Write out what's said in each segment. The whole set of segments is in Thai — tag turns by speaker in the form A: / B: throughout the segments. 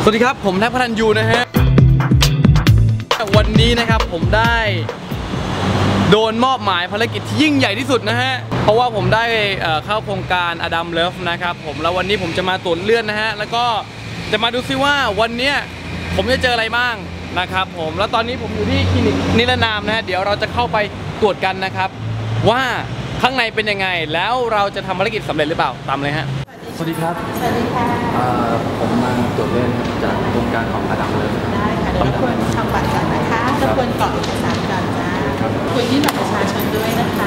A: สวัสดีครับผมแท็บพัฒนยูนะฮะวันนี้นะครับผมได้โดนมอบหมายภารกิจที่ยิ่งใหญ่ที่สุดนะฮะเพราะว่าผมได้เข้าโครงการอดัมเลิฟนะครับผมแล้ววันนี้ผมจะมาตรวจเลือดนะฮะแล้วก็จะมาดูซิว่าวันนี้ผมจะเจออะไรบ้างนะครับผมแล้วตอนนี้ผมอยู่ที่คลินิกนิรนามนะฮะเดี๋ยวเราจะเข้าไปตรวจกันนะครับว่าข้างในเป็นยังไงแล้วเราจะทำภารกิจสำเร็จหรือเปล่าตามเลยฮะสวัสดีครับ
B: สวัสดีค่ะ
A: ผมมาตรวจเลือดจากโครงการของอดัมเลิฟ
B: ได้ค่ะเดี๋ยวรบกวนทำบัตรก่อนนะคะรบกวนกรอกเอกสารก่อนจ้าคุยที่บัตรประชาชนด้วยนะคะ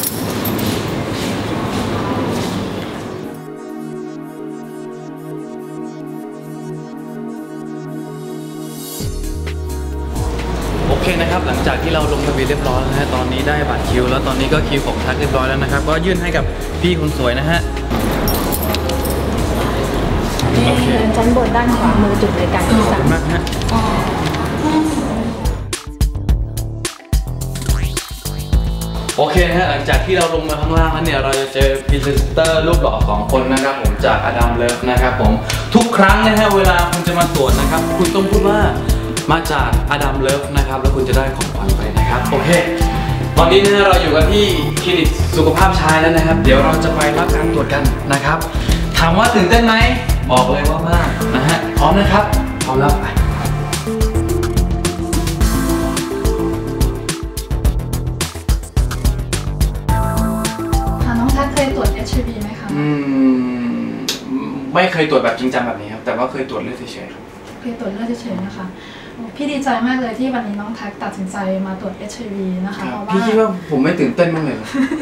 A: โอเคนะครับหลังจากที่เราลงทะเบียนเรียบร้อยแล้วนะฮะตอนนี้ได้บัตรคิวแล้วตอนนี้ก็คิวของทักเรียบร้อยแล้วนะครับก็ยื่นให้กับพี่คนสวยนะฮะ
B: ชั้นบนด้านขวามือจุดบริการที่3
A: มากฮะโอเคนะฮะหลังจากที่เราลงมาข้างล่างแล้วเนี่ยเราจะเจอพรีเซนเตอร์รูปหล่อ2 คนนะครับผมจากอดัมเลิฟนะครับผมทุกครั้งนะฮะเวลาคุณจะมาตรวจนะครับคุณต้องพูดว่ามาจากอดัมเลิฟนะครับแล้วคุณจะได้ของขวัญไปนะครับโอเคตอนนี้นะเราอยู่กันที่คลินิกสุขภาพชายแล้วนะครับเดี๋ยวเราจะไปรับการตรวจกันนะครับถามว่าตื่นเต้นไหมบอกเลยว่ามากนะฮะพร้อมนะครับพร้อมแล้วไป
C: น้องทักเคยตรวจ HIV ไหมคะ
A: ไม่เคยตรวจแบบจริงจังแบบนี้ครับแต่ว่าเคยตรวจเลือดเฉยๆ
C: เคยตรวจเลือดเฉยๆนะคะพี่ดีใจมากเลยที่วันนี้น้องทักตัดสินใจมาตรวจ HIV นะคะเพราะว่า
A: พี่คิดว่าผมไม่ตื่นเต้นบ้างเลย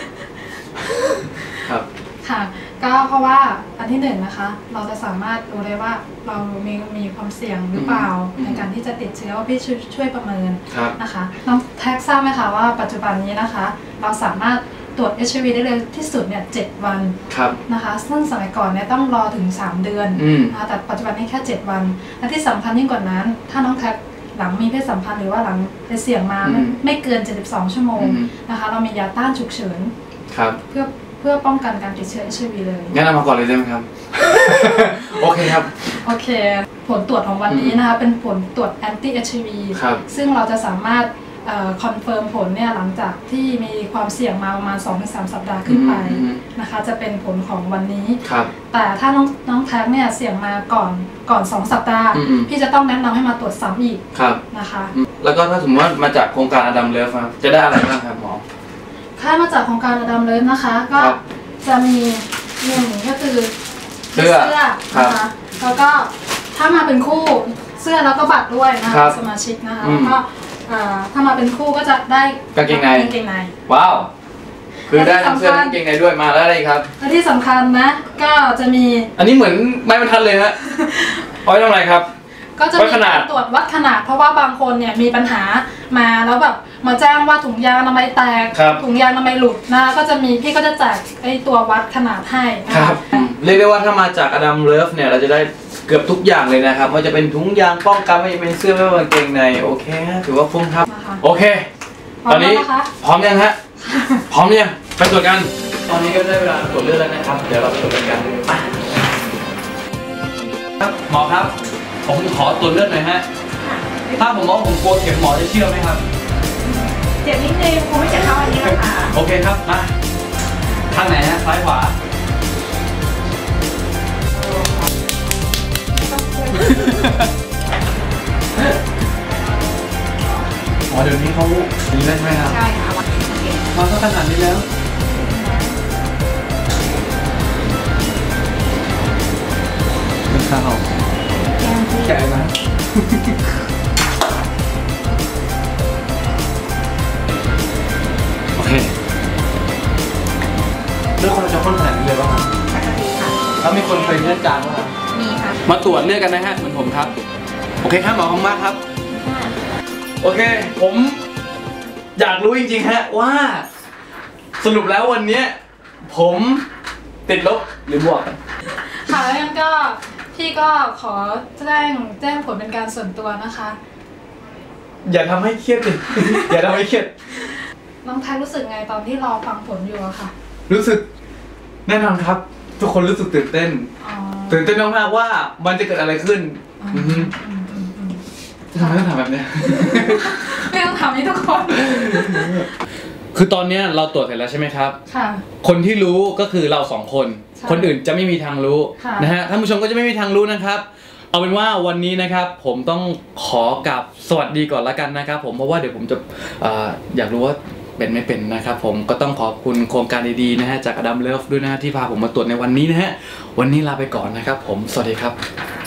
A: ครับ
C: ค่ะก็เพราะว่าอันที่1นะคะเราจะสามารถรู้ได้ว่าเรามีความเสี่ยงหรือเปล่าในการที่จะติดเชื้อว่าพี่ช่วยประเมินนะคะน้องแท็กทราบไหมคะว่าปัจจุบันนี้นะคะเราสามารถตรวจ HIV ได้เร็วที่สุดเนี่ย7 วันนะคะซึ่งสมัยก่อนเนี่ยต้องรอถึง3 เดือนนะคะแต่ปัจจุบันนี้แค่7 วันและที่สำคัญยิ่งกว่านั้นถ้าน้องแท็กหลังมีเพศสัมพันธ์หรือว่าหลังไปเสี่ยงมาไม่เกิน72 ชั่วโมงนะคะเรามียาต้านฉุกเฉินเพื่อป้องกันการติดเชื้อ HIV เลย
A: งั้นเอามาก่อนเลยได้ไหมครับ โอเคครับ
C: โอเคผลตรวจของวันนี้นะคะเป็นผลตรวจ anti HIV ซึ่งเราจะสามารถคอนเฟิร์มผลเนี่ยหลังจากที่มีความเสี่ยงมาประมาณ 2-3 สัปดาห์ขึ้นไปนะคะจะเป็นผลของวันนี้แต่ถ้าน้องแท็กเนี่ยเสี่ยงมาก่อน2 สัปดาห์พี่จะต้องแนะนำให้มาตรวจซ้ำอีกนะคะ
A: แล้วก็ถ้าสมมติว่ามาจากโครงการอดัมเลิฟจะได้อะไรบ้างครับหมอ
C: ถ้ามาจากโครงการอดัมเลิฟนะคะก็จะมี1ก็คือเสื้อนะคะแล้วก็ถ้ามาเป็นคู่เสื้อแล้วก็บัตรด้วยนะคะสมาชิกนะคะแล้วก็ถ้ามาเป็นคู่ก็จะได้
A: กางเกงในว้าวคือได้ทั้งเสื้อกางเกงในด้วยมาแล้วอะไรครับ
C: และที่สำคัญนะก็จะมี
A: อันนี้เหมือนไม้บรรทัดเลยฮะเอาไว้ทำอะไรครับ
C: ก็จะมีการตรวจวัดขนาดเพราะว่าบางคนเนี่ยมีปัญหามาแล้วแบบมาแจ้งว่าถุงยางอนามัยแตกถุงยางอนามัยหลุดนะก็จะมีพี่ก็จะแจกไอตัววัดขนาดให้
A: ครับเรียกได้ว่าถ้ามาจากอดัมเลิฟเนี่ยเราจะได้เกือบทุกอย่างเลยนะครับว่าจะเป็นถุงยางป้องกันไม่ว่าจะเป็นเสื้อไม่ว่าจะเป็นกางเกงในโอเคถือว่าคุ้มครับโอเคตอนนี้พร้อมยังฮะพร้อมยังไปตรวจกันตอนนี้ก็ได้เวลาตรวจเลือดแล้วนะครับเดี๋ยวเราไปตรวจกันครับหมอครับผมขอตรวจเลือดหน่อยฮะถ้าผมบอกผมกลัวเข็มหมอจะเชื่อไหมครับ
B: เจ็บนิดนึงคงไม่เจ็บเท่าอันนี้หรอกค่ะ
A: โอเคครับมาทางไหนฮะซ้ายขวาอ๋อเดี๋ยวนี้เขาดีได้ไหมครับ
B: ใช่ค่ะ
A: มาขนาดนี้แล้วเป็นข้าวแกะไหมโอเคเลือดคนจะข้นขนาดนี้เลยป่ะครับ
B: ปกติค่ะ
A: แล้วมีคนเคยเลือดจางป่ะครับ
B: มีค่ะ
A: มาตรวจเลือดกันนะฮะเหมือนผมครับโอเคครับหมอขอบคุณมากครับโอเคผมอยากรู้จริงๆฮะว่าสรุปแล้ววันนี้ผมติดลบหรือบวก
C: ค่ะแล้วงั้นก็พี่ก็ขอแจ้งผลเป็นการส่วนตัวนะคะ
A: อย่าทำให้เครียดเลยอย่าทำให้เครียด
C: น้องแท็กรู้สึกไงตอนที่รอฟังผลอยู่อะค่ะ
A: รู้สึกแน่นอนครับทุกคนรู้สึกตื่นเต้นมากๆว่ามันจะเกิดอะไรขึ้นทำไมต้องทำแบบเนี้ย
C: ไม่ต้องทำให้ทุกคน
A: คือตอนเนี้ยเราตรวจเสร็จแล้วใช่ไหมครับ
C: ค่ะ
A: คนที่รู้ก็คือเราสองคน
C: ใช่
A: คนอื่นจะไม่มีทางรู้
C: ค่ะ
A: นะฮะท่านผู้ชมก็จะไม่มีทางรู้นะครับ เอาเป็นว่าวันนี้นะครับผมต้องขอกราบสวัสดีก่อนละกันนะครับผมเพราะว่าเดี๋ยวผมจะอยากรู้ว่าเป็นไม่เป็นนะครับผมก็ต้องขอบคุณโครงการดีๆนะฮะจากอดัมเลิฟด้วยนะฮะที่พาผมมาตรวจในวันนี้นะฮะวันนี้ลาไปก่อนนะครับผมสวัสดีครับ